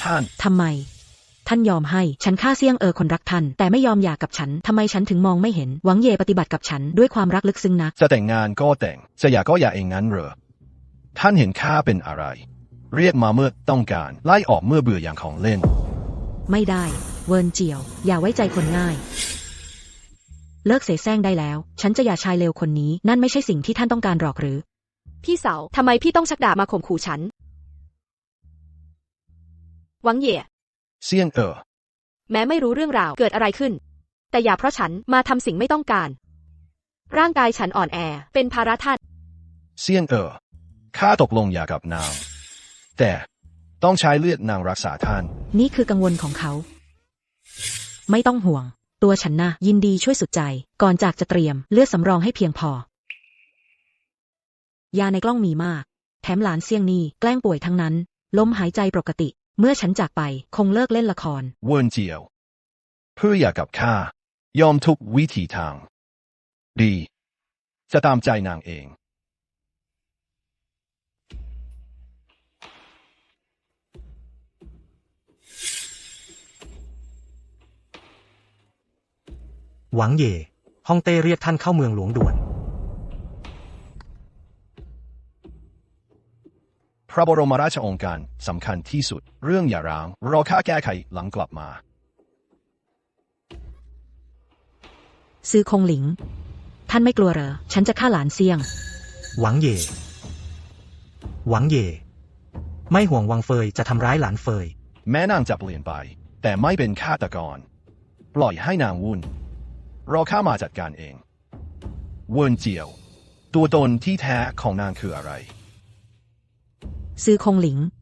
ท่านทำไมท่านยอมให้ฉันฆ่าเซี่ยงคนรักท่านแต่ไม่ยอมหย่ากับฉันทำไมฉันถึงมองไม่เห็นหวังเย่ปฏิบัติกับฉันด้วยความรักลึกซึ้งนักจะแต่งงานก็แต่งจะหย่าก็หย่าเองงั้นเหรอท่านเห็นข้าเป็นอะไรเรียกมาเมื่อต้องการไล่ออกเมื่อเบื่ออย่างของเล่นไม่ได้เวิร์นเจียวอย่าไว้ใจคนง่ายเลิกเสแสร้งได้แล้วฉันจะหย่าชายเลวคนนี้นั่นไม่ใช่สิ่งที่ท่านต้องการหรอกหรือพี่สาวทำไมพี่ต้องชักดาบมาข่มขู่ฉันหวังเย่เซี่ยงแม้ไม่รู้เรื่องราวเกิดอะไรขึ้นแต่อย่าเพราะฉันมาทำสิ่งไม่ต้องการร่างกายฉันอ่อนแอเป็นภาระท่านเซี่ยงข้าตกลงหย่ากับนางแต่ต้องใช้เลือดนางรักษาท่านนี่คือกังวลของเขาไม่ต้องห่วงตัวฉันนะยินดีช่วยสุดใจก่อนจากจะเตรียมเลือดสำรองให้เพียงพอยาในกล้องมีมากแถมหลานเซี่ยงนี่แกล้งป่วยทั้งนั้นลมหายใจปกติเมื่อฉันจากไปคงเลิกเล่นละครเวิร์นเจียวเพื่อหย่ากับข้ายอมทุกวิถีทางดีจะตามใจนางเองหวังเย่ฮ่องเต้เรียกท่านเข้าเมืองหลวงด่วนพระบรมราชโองการสำคัญที่สุดเรื่องหย่าร้างรอข้าแก้ไขหลังกลับมาซื้อคงหลิงท่านไม่กลัวเหรอฉันจะฆ่าหลานเซี่ยงหวังเย่ไม่ห่วงวังเฟยจะทำร้ายหลานเฟยแม้นางจะเปลี่ยนไปแต่ไม่เป็นฆาตกรปล่อยให้นางวุ่นรอข้ามาจัดการเองเวิร์นเจียวตัวตนที่แท้ของนางคืออะไรซื้อคงหลิง